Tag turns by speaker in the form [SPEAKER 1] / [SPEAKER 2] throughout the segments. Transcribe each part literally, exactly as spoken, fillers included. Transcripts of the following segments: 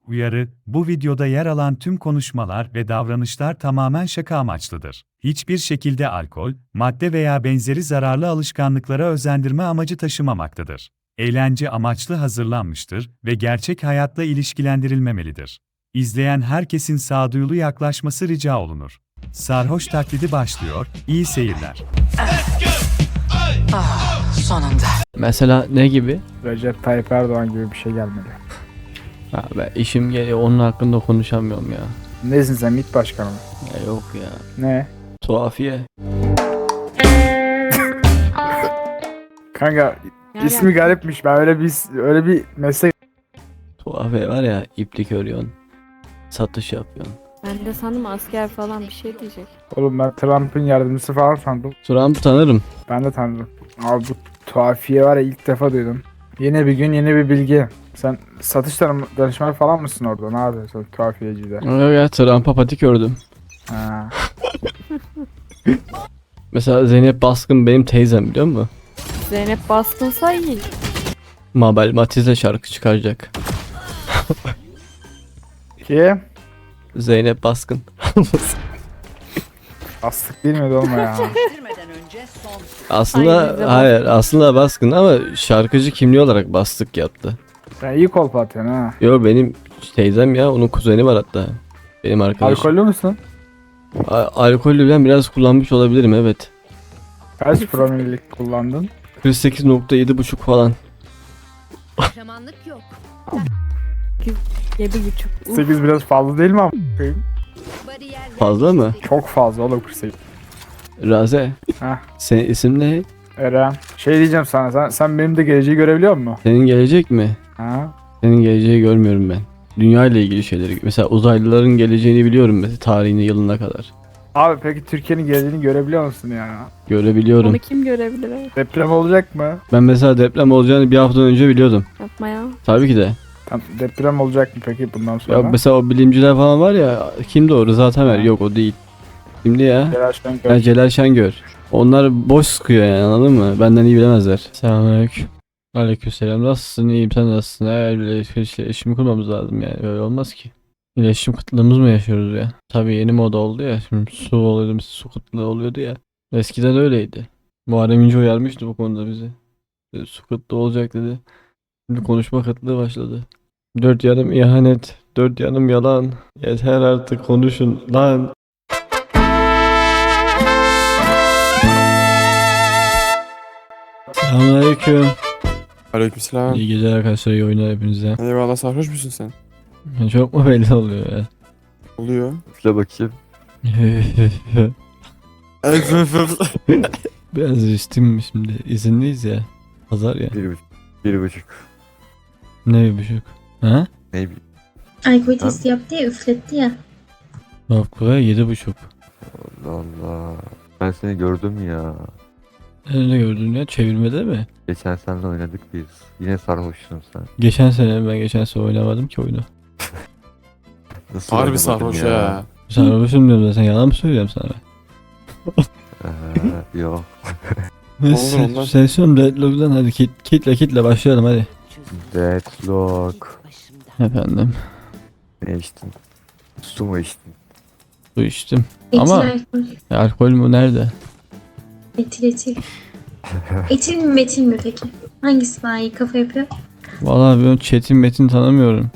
[SPEAKER 1] Uyarı, bu videoda yer alan tüm konuşmalar ve davranışlar tamamen şaka amaçlıdır. Hiçbir şekilde alkol, madde veya benzeri zararlı alışkanlıklara özendirme amacı taşımamaktadır. Eğlence amaçlı hazırlanmıştır ve gerçek hayatla ilişkilendirilmemelidir. İzleyen herkesin sağduyulu yaklaşması rica olunur. Sarhoş taklidi başlıyor, iyi seyirler.
[SPEAKER 2] Ah, sonunda.
[SPEAKER 3] Mesela ne gibi?
[SPEAKER 4] Recep Tayyip Erdoğan gibi bir şey gelmedi.
[SPEAKER 3] Ha, ben işim geliyor, onun hakkında konuşamıyorum ya.
[SPEAKER 4] Nesin sen, MİT başkanı mı?
[SPEAKER 3] Ya yok ya.
[SPEAKER 4] Ne?
[SPEAKER 3] Tuhafiye.
[SPEAKER 4] Kanka ismi garipmiş. Ben öyle bir öyle bir meslek.
[SPEAKER 3] Tuhafiye var ya, iplik örüyorsun. Satış yapıyorsun.
[SPEAKER 5] Ben de sandım asker falan bir şey diyecek.
[SPEAKER 4] Oğlum ben Trump'ın yardımcısı falan sandım.
[SPEAKER 3] Trump'ı tanırım.
[SPEAKER 4] Ben de tanıdım. Abi bu tuhafiye var ya, ilk defa duydum. Yeni bir gün, yeni bir bilgi. Sen satış tanım- danışmanı falan mısın orada? Ne yapıyorsun tuhafiyecide?
[SPEAKER 3] Yok ya, Trump'a patik ördüm.
[SPEAKER 4] Ha.
[SPEAKER 3] Mesela Zeynep Baskın benim teyzem, biliyor musun?
[SPEAKER 5] Zeynep Baskınsa iyi.
[SPEAKER 3] Mabel Matiz'le şarkı çıkaracak.
[SPEAKER 4] Ki
[SPEAKER 3] Zeynep Baskın.
[SPEAKER 4] astık değil mi olma ya?
[SPEAKER 3] Aslında
[SPEAKER 5] Ay, bize bak.
[SPEAKER 3] hayır, aslında Baskın ama şarkıcı kimliği olarak Bastık yaptı.
[SPEAKER 4] Sen iyi kolpa atıyorsun ha.
[SPEAKER 3] Yo, benim teyzem ya, onun kuzeni var hatta. Benim arkadaşım.
[SPEAKER 4] Alkollü müsün?
[SPEAKER 3] A- alkollü ben biraz kullanmış olabilirim, evet.
[SPEAKER 4] Kaç promillik kullandın?
[SPEAKER 3] kırk sekiz nokta yedi buçuk falan.
[SPEAKER 6] Kahramanlık yok.
[SPEAKER 5] Yedi buçuk. Uf,
[SPEAKER 4] sekiz biraz fazla değil mi ama?
[SPEAKER 6] Bariyer
[SPEAKER 3] Fazla mı?
[SPEAKER 4] Çok fazla oğlum kırk sekiz.
[SPEAKER 3] Raze.
[SPEAKER 4] Heh.
[SPEAKER 3] Senin isim ne?
[SPEAKER 4] Eren. Şey diyeceğim sana, sen, sen benim de geleceği görebiliyor musun?
[SPEAKER 3] Senin gelecek mi?
[SPEAKER 4] Ha?
[SPEAKER 3] Senin geleceği görmüyorum ben. Dünya ile ilgili şeyleri. Mesela uzaylıların geleceğini biliyorum mesela, tarihini, yılına kadar.
[SPEAKER 4] Abi peki Türkiye'nin geleceğini görebiliyor musun ya?
[SPEAKER 3] Görebiliyorum.
[SPEAKER 5] onu kim görebilir? Evet.
[SPEAKER 4] Deprem olacak mı?
[SPEAKER 3] Ben mesela deprem olacağını bir hafta önce biliyordum.
[SPEAKER 5] Yapma ya.
[SPEAKER 3] Tabii ki de.
[SPEAKER 4] Tam deprem olacak mı peki bundan sonra?
[SPEAKER 3] Ya mesela o bilimciler falan var ya, kimdi o? Rıza Tamer. Yok, o değil. Kimdi ya?
[SPEAKER 4] Celal Şengör.
[SPEAKER 3] Ha, Celal Şengör. Onlar boş sıkıyor yani, anladın mı? Benden iyi bilemezler. Selamünaleyküm. Aleykümselam. Nasılsın? İyiyim, sen nasılsın? Eğer bile iletişim kurmamız lazım yani. Böyle olmaz ki. İletişim kıtlığımız mı yaşıyoruz ya? Tabii yeni moda oldu ya. Şimdi su oluyordu, su kıtlığı oluyordu ya. Eskiden öyleydi. Muharrem İnce uyarmıştı bu konuda bizi. Dedi, su kıtlığı olacak dedi. Şimdi konuşma kıtlığı başladı. Dört yanım ihanet, dört yanım yalan. Yeter artık konuşun lan. Selamünaleyküm.
[SPEAKER 7] Aleykümselam.
[SPEAKER 3] İyi geceler arkadaşlar, iyi oyunlar hepinize.
[SPEAKER 7] Eyvallah, sarhoş musun sen?
[SPEAKER 3] Çok mu belli oluyor ya?
[SPEAKER 7] Oluyor.
[SPEAKER 8] Şuna bakayım.
[SPEAKER 3] Biraz içtim şimdi. İzinliyiz ya. Pazar ya.
[SPEAKER 8] Bir buçuk. Bir buçuk.
[SPEAKER 3] Ne bir buçuk? Ha?
[SPEAKER 8] Ne bileyim.
[SPEAKER 9] Alkol testi yaptı ya, üfletti ya.
[SPEAKER 3] Bak buraya yedi buçuk.
[SPEAKER 8] Allah Allah. Ben seni gördüm ya.
[SPEAKER 3] Nerede gördün ya? Çevirmede mi?
[SPEAKER 8] Geçen seninle oynadık biz. Yine sarhoşsun sen.
[SPEAKER 3] Geçen sene, ben geçen sene oynamadım ki oyunu.
[SPEAKER 8] Nasıl
[SPEAKER 7] Harbi
[SPEAKER 8] oynamadın
[SPEAKER 7] sarhoş ya.
[SPEAKER 3] Sarhoşum diyorum zaten, yalan mı söylüyorum sana ben?
[SPEAKER 8] Ee, yok.
[SPEAKER 3] Neyse,
[SPEAKER 7] ondan.
[SPEAKER 3] sesyon deadlock'dan hadi kit, kitle kitle başlayalım hadi.
[SPEAKER 8] Deadlock.
[SPEAKER 3] Efendim,
[SPEAKER 8] Ne içtin? Su mu içtin?
[SPEAKER 3] su içtim.
[SPEAKER 9] Etil
[SPEAKER 3] Ama-
[SPEAKER 9] alkol.
[SPEAKER 3] Ya, alkol mü nerede?
[SPEAKER 9] Etil etil. Etil mi metil mi peki? Hangisi daha iyi kafa yapıyor?
[SPEAKER 3] Vallahi ben Çetin Metin tanımıyorum.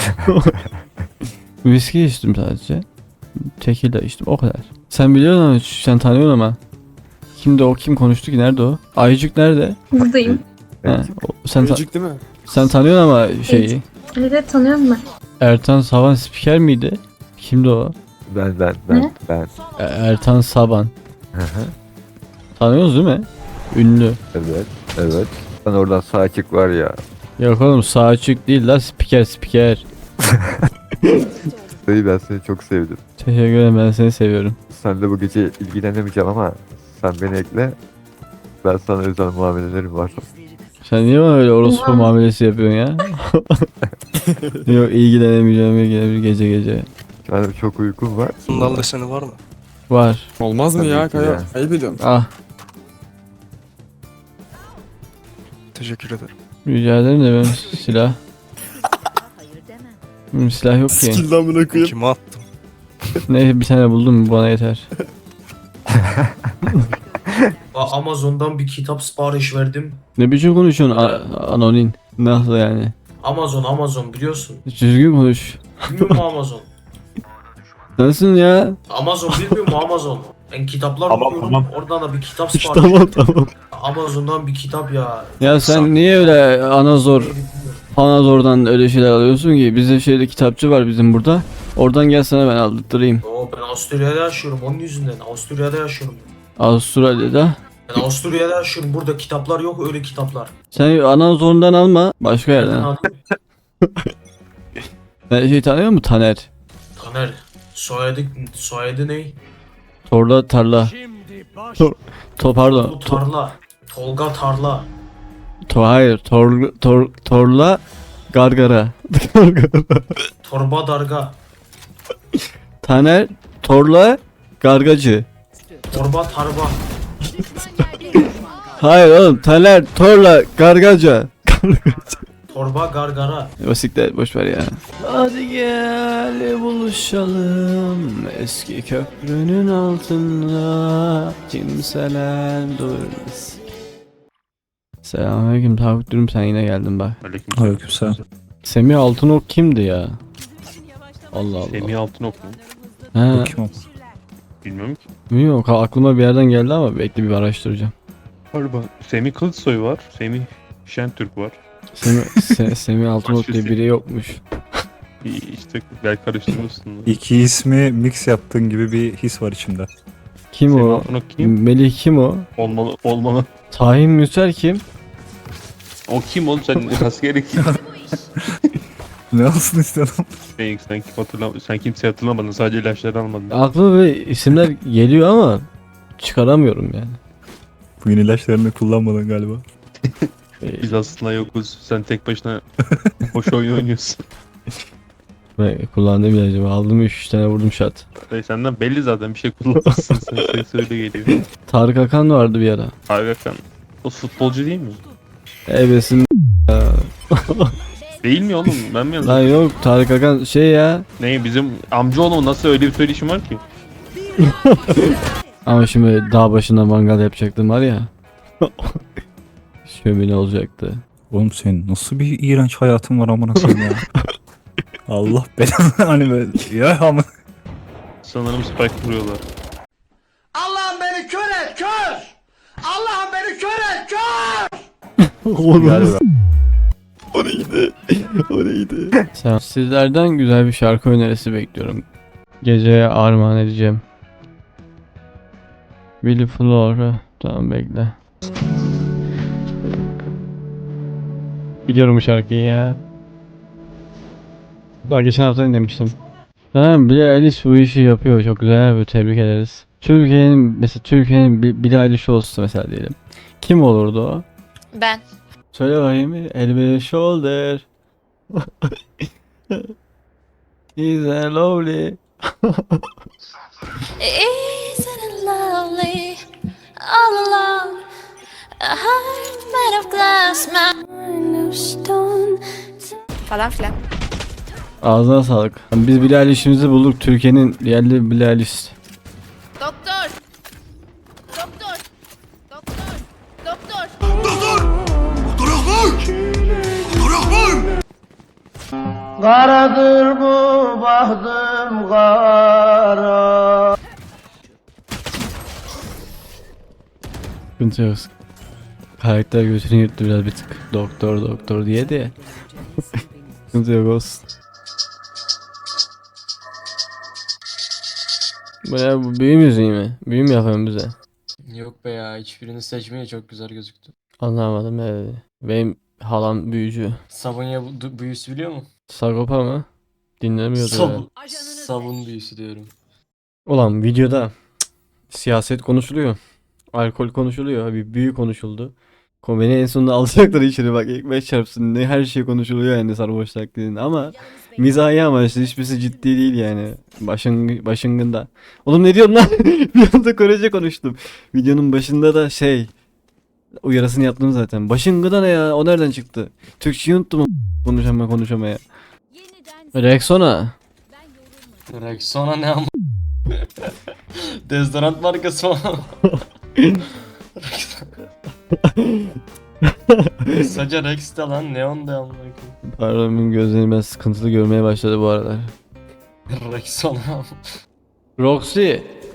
[SPEAKER 3] Viski içtim sadece. Tekila içtim, o kadar. Sen biliyorsun ama, sen tanıyorsun ama. Kimdi o, kim konuştu ki, nerede o? Ayıcık nerede?
[SPEAKER 9] Buradayım.
[SPEAKER 3] He, o- sen, ta-
[SPEAKER 7] Çocuk değil mi?
[SPEAKER 3] sen tanıyorsun ama şeyi.
[SPEAKER 9] Evet, evet tanıyorum ben.
[SPEAKER 3] Ertan Saban spiker miydi? Kimdi o?
[SPEAKER 8] Ben ben ben
[SPEAKER 9] Ne?
[SPEAKER 8] ben.
[SPEAKER 3] E- Ertan Saban.
[SPEAKER 8] Hı hı.
[SPEAKER 3] Tanıyorsunuz değil mi? Ünlü.
[SPEAKER 8] Evet. Evet. Ben oradan sağ açık var ya.
[SPEAKER 3] Yok oğlum, sağ açık değil la, spiker spiker.
[SPEAKER 8] Dayı, ben seni çok sevdim.
[SPEAKER 3] Teşekkür ederim, ben seni seviyorum.
[SPEAKER 8] Sen de bu gece ilgilenemeyeceğim ama sen beni ekle. Ben sana özel muamelelerim var.
[SPEAKER 3] Sen niye bana öyle orospu
[SPEAKER 9] Oha.
[SPEAKER 3] muamelesi yapıyorsun ya? Yok, ilgilenemeyeceğim ilgilenemeyeceğim gece gece.
[SPEAKER 8] Yani çok uykum var.
[SPEAKER 10] Bundan da seni var mı?
[SPEAKER 3] Var.
[SPEAKER 7] Olmaz mı
[SPEAKER 8] Tabii
[SPEAKER 7] ya
[SPEAKER 8] ki
[SPEAKER 7] Kaya?
[SPEAKER 8] ya.
[SPEAKER 7] Ayıp ediyorum.
[SPEAKER 3] Ah,
[SPEAKER 10] Teşekkür ederim.
[SPEAKER 3] rica ederim de ben silah. Hı, silah yok ki.
[SPEAKER 7] Skill'den amına koyayım.
[SPEAKER 2] Kime attım?
[SPEAKER 3] Neyse bir tane buldum bana yeter.
[SPEAKER 10] A- Amazon'dan bir kitap sipariş verdim.
[SPEAKER 3] Ne biçim konuşuyorsun A- anonin? Nasıl yani?
[SPEAKER 10] Amazon Amazon biliyorsun.
[SPEAKER 3] Düzgün konuş.
[SPEAKER 10] Bilmiyor musun Amazon?
[SPEAKER 3] Nasılsın ya?
[SPEAKER 10] Amazon bilmiyor musun Amazon? Ben kitaplar
[SPEAKER 2] Tamam,
[SPEAKER 10] okuyorum.
[SPEAKER 2] tamam.
[SPEAKER 10] Oradan da bir kitap sipariş
[SPEAKER 3] tamam
[SPEAKER 10] ettim.
[SPEAKER 3] tamam.
[SPEAKER 10] Amazon'dan bir kitap ya.
[SPEAKER 3] Ya sen niye öyle anazor, anazordan öyle şeyler alıyorsun ki? Bizde şeyde kitapçı var bizim burada. Oradan gel sana ben aldırtırayım.
[SPEAKER 10] Oo, ben Avusturya'da yaşıyorum onun yüzünden. Avusturya'da yaşıyorum.
[SPEAKER 3] Avustralya'da.
[SPEAKER 10] Ben Avusturya'da yaşıyorum. Burada kitaplar yok öyle kitaplar.
[SPEAKER 3] Sen anazorundan alma. Başka yerden al.
[SPEAKER 10] Nereden alayım?
[SPEAKER 3] Sen şey tanıyor musun? Taner.
[SPEAKER 10] Taner. Soyadı, soyadı ne?
[SPEAKER 3] Torla tarla. To, to pardon.
[SPEAKER 10] Bu
[SPEAKER 3] To,
[SPEAKER 10] Tarla. Tolga Tarla.
[SPEAKER 3] to hayır. Tor, tor, torla gargara.
[SPEAKER 10] Torba Darga.
[SPEAKER 3] Taner Torla gargacı.
[SPEAKER 10] Torba Tarba.
[SPEAKER 3] Hayır oğlum Taner Torla gargaca.
[SPEAKER 10] Torba Gargara.
[SPEAKER 3] Basiklet boş ver ya. Hadi gel buluşalım eski köprünün altında kimseler durmaz. Selamünaleyküm Tavuk Dürüm sen yine geldin bak.
[SPEAKER 2] Aleykümselam.
[SPEAKER 3] Semih Altınok kimdi ya? Allah Allah.
[SPEAKER 2] Semih Altınok mu?
[SPEAKER 3] He,
[SPEAKER 2] Kim o? Bilmiyorum ki.
[SPEAKER 3] bilmiyorum aklıma bir yerden geldi ama bekle bir araştıracağım.
[SPEAKER 2] Galiba Semih Kılıçsoy var. Semih Şentürk var.
[SPEAKER 3] Semih, Se- Semih Altınok
[SPEAKER 2] Başka
[SPEAKER 3] diye
[SPEAKER 2] Semih.
[SPEAKER 3] biri yokmuş.
[SPEAKER 2] İ- İşte belki karıştırmışsın.
[SPEAKER 11] İki ismi mix yaptığın gibi bir his var içimde.
[SPEAKER 3] Kim
[SPEAKER 2] Semih
[SPEAKER 3] o?
[SPEAKER 2] Altınok kim?
[SPEAKER 3] Melih kim o?
[SPEAKER 2] Olmalı, olmalı.
[SPEAKER 3] Tahin Müser kim?
[SPEAKER 2] O kim oğlum sen askeri kim?
[SPEAKER 11] Ne olsun istedim?
[SPEAKER 2] sen, sen, kim hatırlam sen kimseyi hatırlamadın sadece ilaçları almadın.
[SPEAKER 3] Aklıma böyle isimler geliyor ama çıkaramıyorum yani.
[SPEAKER 11] Bugün ilaçlarını kullanmadın galiba.
[SPEAKER 3] Ee,
[SPEAKER 2] Biz aslında yokuz. Sen tek başına boş oyun oynuyorsun.
[SPEAKER 3] Ben kullandığım ilacımı aldım üç tane vurdum şat.
[SPEAKER 2] Hey, senden belli zaten bir şey kullanmışsın sen. Ses öyle geliyor.
[SPEAKER 3] Tarık Akan vardı bir ara.
[SPEAKER 2] Hakan. O futbolcu değil mi?
[SPEAKER 3] Ebesin
[SPEAKER 2] Değil mi oğlum? Ben mi
[SPEAKER 3] lan
[SPEAKER 2] yazdım?
[SPEAKER 3] yok Tarık Akan şey ya.
[SPEAKER 2] Ne bizim amcaoğlum nasıl öyle bir söyleşim var ki?
[SPEAKER 3] Ama şimdi böyle dağ başında mangal yapacaktım var ya. Şömine olacaktı.
[SPEAKER 11] Oğlum senin nasıl bir iğrenç hayatın var amına koyayım ya. Allah belanı hani böyle ya ama
[SPEAKER 2] Sanırım spike vuruyorlar.
[SPEAKER 10] Allah'ım beni kör et kör! Allah'ım beni kör et kör!
[SPEAKER 11] galiba.
[SPEAKER 3] O neydi? O neydi? Sen, sizlerden güzel bir şarkı önerisi bekliyorum. Geceye armağan edeceğim. Willy Flora. Tamam bekle. Biliyorum bu şarkıyı ya. Daha geçen hafta dinlemiştim. Tamam Billie Eilish bu işi yapıyor. Çok güzel bir tebrik ederiz. Türkiye'nin mesela Türkiye'nin Bi- Billie Eilish olsa mesela diyelim. Kim olurdu o?
[SPEAKER 6] Ben.
[SPEAKER 3] Söyle bakayım. Elbe shoulder. Is a lovely.
[SPEAKER 6] Isn't it lovely? All alone. A heart made of glass, mind of stone. Falan filan.
[SPEAKER 3] Ağzına sağlık. Biz Billie Eilish'imizi bulduk. Türkiye'nin yerli Billie Eilish.
[SPEAKER 6] Doktor. Doktor. Doktor. Doktor.
[SPEAKER 10] Karadır bu bahtım kara.
[SPEAKER 3] Sıkıntı yok. Karakter götünü yırttı biraz bir tık. Doktor doktor diye de. Sıkıntı yok olsun. Bu ne bu büyü müziği mi? Büyü mü yapıyorsun bize?
[SPEAKER 10] Yok be ya hiçbirini seçmeye çok güzel gözüktü.
[SPEAKER 3] Anlamadım evet. Benim halam büyücü.
[SPEAKER 10] Sabunya büyüsü biliyor musun?
[SPEAKER 3] Sagopa mı? Dinlemiyordu ya.
[SPEAKER 10] Sabun. Sabun büyüsü diyorum.
[SPEAKER 3] Ulan videoda cık, siyaset konuşuluyor. Alkol konuşuluyor. Bir büyü konuşuldu. Ko- Beni en sonunda alacaklar içeri bak ekmek çarpsın ne her şey konuşuluyor yani sarhoş taklidinde ama mizahi amaçlı hiçbirisi ciddi değil yani. Başın, başıngında. Oğlum ne diyorsun lan? Bir anda Korece konuştum. Videonun başında da şey uyarısını yaptım zaten. Başıngıda ne ya? O nereden çıktı? Türkçeyi unuttum konuşama konuşamaya.
[SPEAKER 6] Yeniden
[SPEAKER 3] Rexona.
[SPEAKER 10] Rexona ne ama? Dezodorant markası mı? Sadece Rex de lan neon da amına koyayım.
[SPEAKER 3] Pardon benim gözlerim biraz sıkıntılı görmeye başladı bu aralar.
[SPEAKER 10] Rexona.
[SPEAKER 3] Roxy.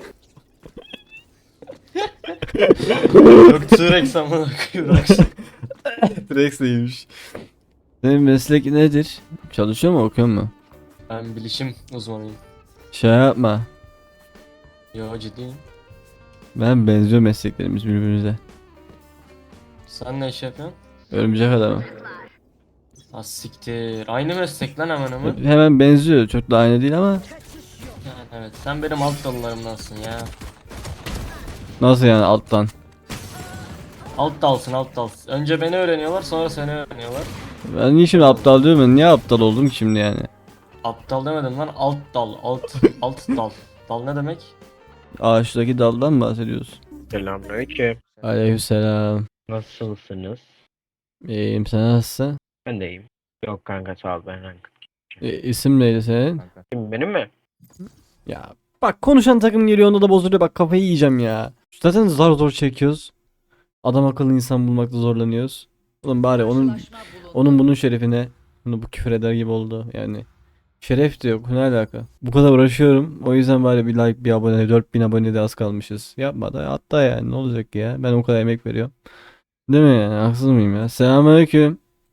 [SPEAKER 10] Yok T-Rex amına koyayım Rex.
[SPEAKER 3] Rex neymiş? Senin meslek nedir? Çalışıyor mu, okuyor mu?
[SPEAKER 10] Ben bilişim uzmanıyım.
[SPEAKER 3] Şey yapma.
[SPEAKER 10] Yo ciddiyim.
[SPEAKER 3] Ben benziyor mesleklerimiz birbirimize.
[SPEAKER 10] Sen ne iş yapıyorsun?
[SPEAKER 3] Örümcek adamı.
[SPEAKER 10] Ha siktir. Aynı meslek lan hemen hemen.
[SPEAKER 3] Hemen benziyor. Çok da aynı değil ama.
[SPEAKER 10] Yani evet. Sen benim alt dallarımdansın ya.
[SPEAKER 3] Nasıl yani alttan?
[SPEAKER 10] Alt dalsın alt dalsın. Önce beni öğreniyorlar sonra seni öğreniyorlar.
[SPEAKER 3] Ben niye şimdi aptal diyorum ben? Niye aptal oldum ki şimdi yani?
[SPEAKER 10] Aptal demedim lan alt dal alt alt dal. Dal ne demek?
[SPEAKER 3] Ağaçtaki daldan mı bahsediyorsun?
[SPEAKER 2] Selamünaleyküm.
[SPEAKER 3] Aleykümselam.
[SPEAKER 2] Nasılsınız?
[SPEAKER 3] İyiyim, sen nasılsın?
[SPEAKER 2] Ben de iyiyim. Yok kanka sağ ol ben kanka.
[SPEAKER 3] E, isim neydi senin?
[SPEAKER 2] Kim benim mi?
[SPEAKER 3] Ya bak konuşan takım geliyor onda da bozuluyor, bak kafayı yiyeceğim ya. Zaten zar zor çekiyoruz. Adam akıllı insan bulmakta zorlanıyoruz. Oğlum bari onun onun bunun şerefine bunu bu küfür eder gibi oldu yani. Şeref de yok, ne alaka? Bu kadar uğraşıyorum. O yüzden bari bir like, bir abone, dört bin abone de az kalmışız. Yapma da hatta yani ne olacak ya? Ben o kadar emek veriyorum. Değil mi yani? Haksız mıyım ya? Selamünaleyküm.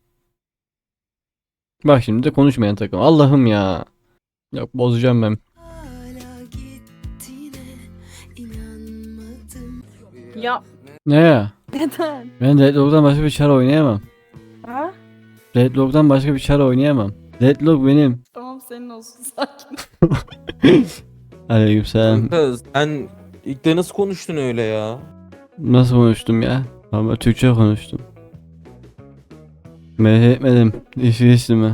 [SPEAKER 3] Bak şimdi de konuşmayan takım. Allah'ım ya. Yok bozacağım ben.
[SPEAKER 5] Ya
[SPEAKER 3] Ne ya?
[SPEAKER 5] neden?
[SPEAKER 3] Ben Deadlock'tan başka bir çar oynayamam.
[SPEAKER 5] Ha?
[SPEAKER 3] Deadlock'tan başka bir çar oynayamam. Deadlock benim.
[SPEAKER 5] Tamam senin olsun sakin.
[SPEAKER 3] Aleykümselam.
[SPEAKER 12] Sen ilk de nasıl konuştun öyle ya?
[SPEAKER 3] Nasıl konuştum ya? Ama Türkçe konuştum. Merak etmedim. İşi işimi.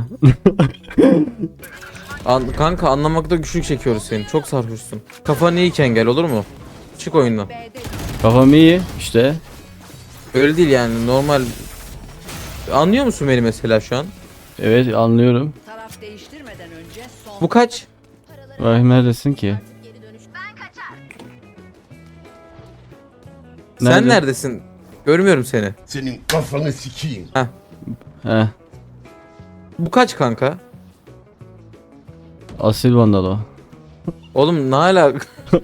[SPEAKER 12] An kanka anlamakta güçlük çekiyoruz seni. Çok sarhoşsun. Kafan iyiyken gel olur mu? Çık oyundan.
[SPEAKER 3] Kafam iyi işte.
[SPEAKER 12] Öyle değil yani normal. Anlıyor musun beni mesela şu an?
[SPEAKER 3] Evet anlıyorum.
[SPEAKER 12] Bu kaç?
[SPEAKER 3] Vay neredesin ki?
[SPEAKER 12] Sen
[SPEAKER 3] Nerede?
[SPEAKER 12] neredesin? Görmüyorum seni.
[SPEAKER 10] Senin kafanı sikeyim.
[SPEAKER 3] Heh.
[SPEAKER 12] Bu kaç kanka?
[SPEAKER 3] Asil vandal o.
[SPEAKER 12] Oğlum ne alaka?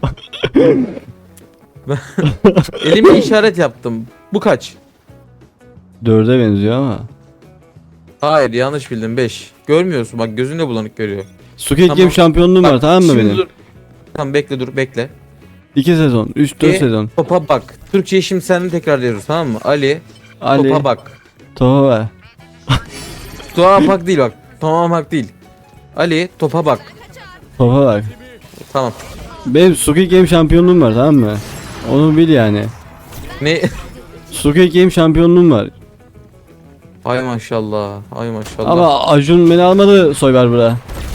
[SPEAKER 12] Elimle işaret yaptım. Bu kaç?
[SPEAKER 3] Dörde benziyor ama.
[SPEAKER 12] Hayır yanlış bildin beş. Görmüyorsun bak gözünle bulanık görüyor.
[SPEAKER 3] Squid
[SPEAKER 12] Tamam.
[SPEAKER 3] Game şampiyonluğum var
[SPEAKER 12] Bak,
[SPEAKER 3] tamam mı
[SPEAKER 12] şimdi
[SPEAKER 3] benim?
[SPEAKER 12] dur. Tamam bekle dur bekle.
[SPEAKER 3] İki sezon. Üç dört
[SPEAKER 12] İki.
[SPEAKER 3] sezon.
[SPEAKER 12] Topa bak. Türkçeyi şimdi seninle tekrarlıyoruz tamam mı? Ali.
[SPEAKER 3] Ali.
[SPEAKER 12] Topa bak.
[SPEAKER 3] Topa ver.
[SPEAKER 12] Topa bak değil bak. Topa bak değil. Ali topa bak.
[SPEAKER 3] Topa bak.
[SPEAKER 12] Tamam.
[SPEAKER 3] Benim Squid Game şampiyonluğum var tamam mı? Onu bil yani.
[SPEAKER 12] Ne?
[SPEAKER 3] Squid Game şampiyonluğum var.
[SPEAKER 12] Ay maşallah. Ay maşallah.
[SPEAKER 3] Ama Acun beni almadı Soyber bura.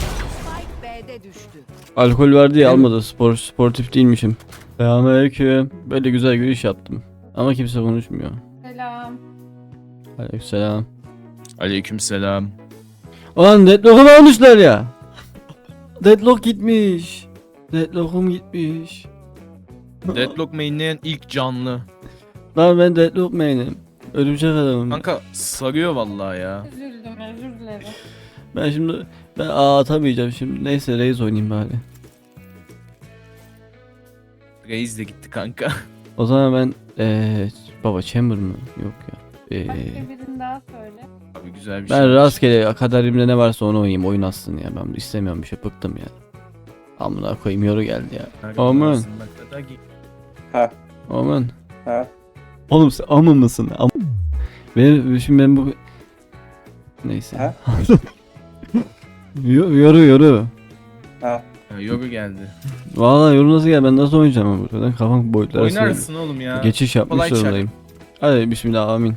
[SPEAKER 3] Alkol var diye almadı. Spor, sportif değilmişim. Selamünaleyküm. Böyle güzel giriş yaptım. Ama kimse konuşmuyor.
[SPEAKER 5] Selam.
[SPEAKER 3] Aleykümselam.
[SPEAKER 11] Aleykümselam.
[SPEAKER 3] Ulan Deadlock'u almışlar ya. Deadlock gitmiş. Deadlock'um gitmiş.
[SPEAKER 11] Deadlock mainleyen ilk canlı.
[SPEAKER 3] Lan ben Deadlock main'im. Örümcek adamım.
[SPEAKER 11] Kanka sarıyor vallahi ya.
[SPEAKER 5] Üzüldüm özür dilerim.
[SPEAKER 3] Ben şimdi ben A atamayacağım şimdi. Neyse Reis oynayayım bari.
[SPEAKER 11] Reis de gitti kanka.
[SPEAKER 3] O zaman ben eee baba Chamber mı? Yok ya. Eee
[SPEAKER 5] birini daha söyle.
[SPEAKER 11] Abi güzel bir şey.
[SPEAKER 3] ben rastgele kaderimde ne varsa onu oynayayım. Oyun atsın ya. Ben istemiyorum bir şey. Bıktım ya. Amına koyayım yoru geldi ya. Aman.
[SPEAKER 11] Ha.
[SPEAKER 3] Aman.
[SPEAKER 11] Ha.
[SPEAKER 3] Oğlum sen amı mısın? Am benim şimdi ben bu neyse.
[SPEAKER 11] Ha?
[SPEAKER 3] Yo- yoru yoru.
[SPEAKER 11] Ha, yoga geldi.
[SPEAKER 3] Vallahi yoru nasıl gel ben nasıl oynayacağım ama buradan kafam boyutları arasında
[SPEAKER 11] Oynarsın oğlum ya.
[SPEAKER 3] geçiş yapmış
[SPEAKER 11] Kolay çak.
[SPEAKER 3] zorundayım. Hadi bismillah amin.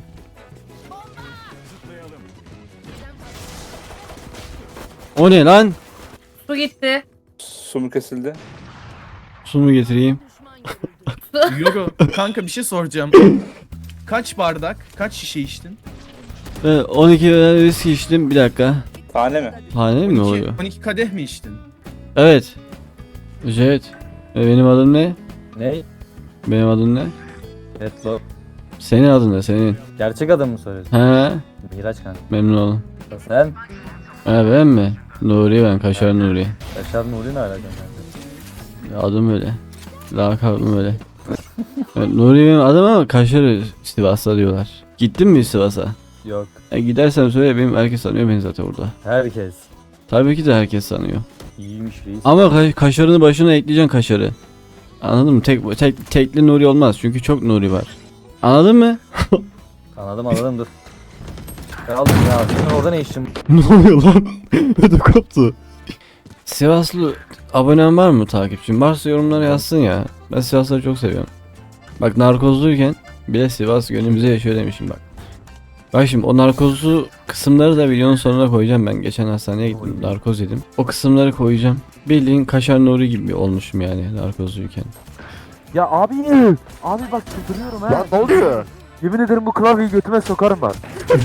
[SPEAKER 3] O ne lan?
[SPEAKER 5] Su gitti.
[SPEAKER 11] Su mu kesildi?
[SPEAKER 3] Su mu getireyim?
[SPEAKER 11] Yoga. Kanka bir şey soracağım. Kaç bardak, kaç şişe içtin?
[SPEAKER 3] Ben on iki viski içtim bir dakika.
[SPEAKER 11] Tane mi?
[SPEAKER 3] Tane mi oluyor?
[SPEAKER 10] on iki kadeh mi içtin?
[SPEAKER 3] Evet. Evet. E, benim adım ne?
[SPEAKER 11] Ne?
[SPEAKER 3] Benim adım ne?
[SPEAKER 11] Etlo.
[SPEAKER 3] Senin adın ne senin?
[SPEAKER 11] Gerçek adamı mı soruyorsun?
[SPEAKER 3] He,
[SPEAKER 11] Miraç kanka.
[SPEAKER 3] memnun oldum.
[SPEAKER 11] Sen?
[SPEAKER 3] He, ben mi? Nuri ben, Kaşar Nuri.
[SPEAKER 11] Yaşar Nuri ne alaka kanka?
[SPEAKER 3] Ya, adım öyle. Lakabım öyle. Evet, Nuri benim adım ama Kaşar Sivas'ta diyorlar. Gittin mi Sivas'a?
[SPEAKER 11] Yok.
[SPEAKER 3] E, gidersen söyle, benim herkes sanıyor beni zaten orada.
[SPEAKER 11] Herkes.
[SPEAKER 3] Tabii ki de herkes sanıyor.
[SPEAKER 11] İyiymiş reis.
[SPEAKER 3] Ama ka- kaşarını başına ekleyeceksin kaşarı. Anladın mı? Tek, tek tekli Nuri olmaz çünkü çok Nuri var. Anladın mı?
[SPEAKER 11] Anladım anladım dur. Ben aldım ya. Senin orada ne işin?
[SPEAKER 3] Ne oluyor lan? Ödüm koptu. Sivaslı abonen var mı takipçim? Varsa yorumlara yazsın ya. Ben Sivasları çok seviyorum. Bak narkozluyken bile Sivas gönlümüze yaşıyor demişim bak. Bak şimdi o narkozlu kısımları da videonun sonuna koyacağım ben. Geçen hastaneye gittim, narkoz yedim. O kısımları koyacağım. Bildiğin Kaşar Nuri gibi olmuşum yani narkozluyken.
[SPEAKER 8] Ya abi, abi bak çıldırıyorum ha. Ya ne oluyor? Yemin ederim bu klavyeyi götüme sokarım ben.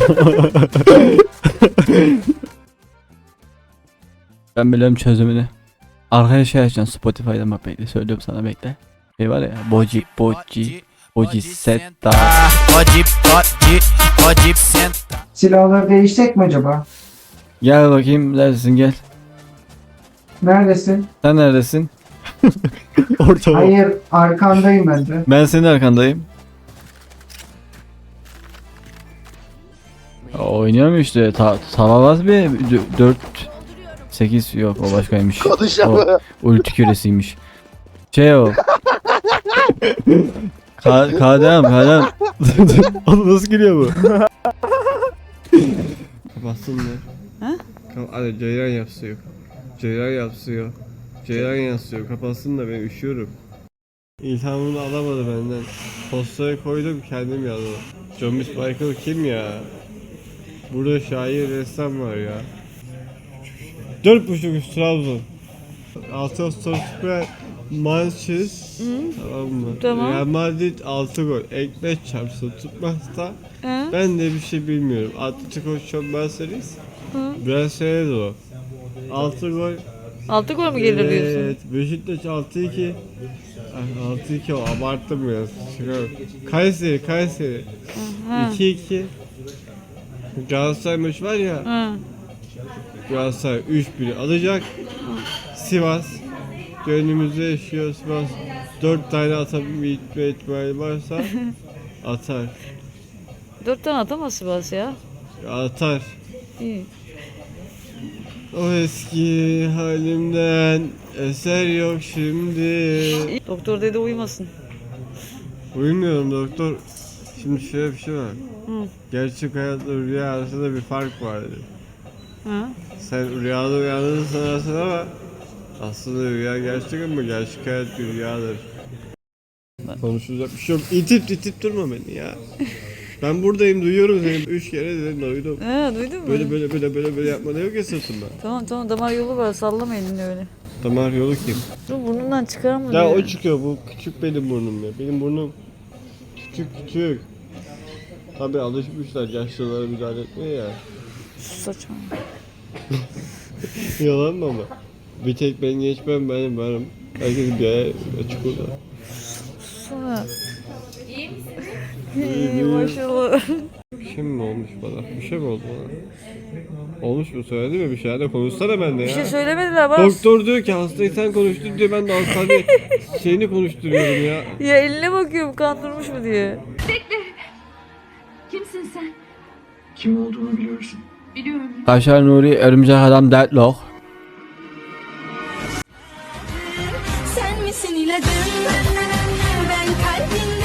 [SPEAKER 3] Ben biliyorum çözümünü. Arkaya şey açacaksın Spotify'dan, bak bekle söylüyorum sana, bekle. Şey var ya, Boji, Boji, Boji Setta.
[SPEAKER 10] Silahları değişecek mi acaba?
[SPEAKER 3] Gel bakayım, neredesin gel.
[SPEAKER 10] Neredesin?
[SPEAKER 3] Sen neredesin? Orta
[SPEAKER 10] Hayır, arkandayım ben de.
[SPEAKER 3] Ben senin arkandayım. Oynuyor mu işte? Ta Tavavaz bir dört sekiz yok, o başkaymış. O ulti küresiymiş. Şey o. Ka Kadem, Kadem. Oğlum nasıl geliyor bu?
[SPEAKER 7] Kapatsın mı?
[SPEAKER 5] Ha?
[SPEAKER 7] Hadi ceyran yapsıyor. Ceyran yapsıyor. Ceyran yapsıyor. Kapatsın da ben üşüyorum. İlhamını alamadı benden. Postaya koydum, kendim yazdım. John Michael kim ya? Burada şair, ressam var ya. Dört buçuk üst Trabzon. Altı Ağustos Süper Manşiz. Tamam mı?
[SPEAKER 5] Tamam.
[SPEAKER 7] Real Madrid altı gol. Ekmek çarpsın tutmazsa
[SPEAKER 5] Hı?
[SPEAKER 7] ben de bir şey bilmiyorum. Atletico çok bahsediz.
[SPEAKER 5] Hı?
[SPEAKER 7] Biraz seyredi o. altı gol.
[SPEAKER 5] Altı gol mu gelir diyorsun?
[SPEAKER 7] Evet. Beşiktaş altı iki. Ay, altı iki o, abarttım biraz. Çıkar. Kayseri, Kayseri.
[SPEAKER 5] Hı.
[SPEAKER 7] iki iki. Galatasaray maçı var ya.
[SPEAKER 5] Hı.
[SPEAKER 7] Galatasaray üç bir alacak. Sivas gönlümüzde yaşıyor. Sivas dört tane atabilme ihtimali varsa atar.
[SPEAKER 5] Dört tane atamaz Sivas ya.
[SPEAKER 7] Atar.
[SPEAKER 5] İyi.
[SPEAKER 7] O eski halimden eser yok şimdi.
[SPEAKER 5] Doktor dedi uyumasın.
[SPEAKER 7] Uyumuyorum doktor. Şimdi şöyle bir şey var.
[SPEAKER 5] Hı.
[SPEAKER 7] Gerçek hayatla rüya arasında bir fark var dedi.
[SPEAKER 5] Hı?
[SPEAKER 7] Sen rüyada uyandığını sanarsın ama aslında rüya gerçek ama gerçek hayat bir rüyadır. Konuşulacak bir şey yok. İtip itip durma beni ya. Ben buradayım, duyuyorum seni. Üç kere dedim, duydum.
[SPEAKER 5] Ha, duydun mu?
[SPEAKER 7] Böyle böyle böyle böyle böyle yapma, ne yok ya sırtımda.
[SPEAKER 5] Tamam tamam, damar yolu var, sallama elini öyle.
[SPEAKER 7] Damar yolu kim?
[SPEAKER 5] Dur, burnundan çıkar mı?
[SPEAKER 7] Ya
[SPEAKER 5] diyor.
[SPEAKER 7] o çıkıyor, bu küçük benim burnum ya. Benim burnum küçük küçük. Tabi alışmışlar yaşlılara müdahale etmeye ya.
[SPEAKER 5] Saçma.
[SPEAKER 7] Yalan mı ama? Bir tek ben geçmem, benim varım. Herkes bir ay açık olur.
[SPEAKER 5] Sana. İyi maşallah.
[SPEAKER 7] Bir şey mi olmuş bana? Bir şey mi oldu bana? Olmuş mu, söyledi mi bir şey? Hadi konuşsana bende ya.
[SPEAKER 5] Bir şey söylemediler bak.
[SPEAKER 7] Doktor diyor ki hastayı sen konuştur diyor, ben de hastane şeyini konuşturuyorum ya.
[SPEAKER 5] Ya eline bakıyorum, kandırmış mı diye.
[SPEAKER 6] Kimsin sen?
[SPEAKER 10] Kim olduğunu biliyorsun.
[SPEAKER 6] Biliyorum.
[SPEAKER 3] Kaşar Nuri, Örümcek Adam, Deadlock.
[SPEAKER 6] Sen misin ilacım? Ben kalbinde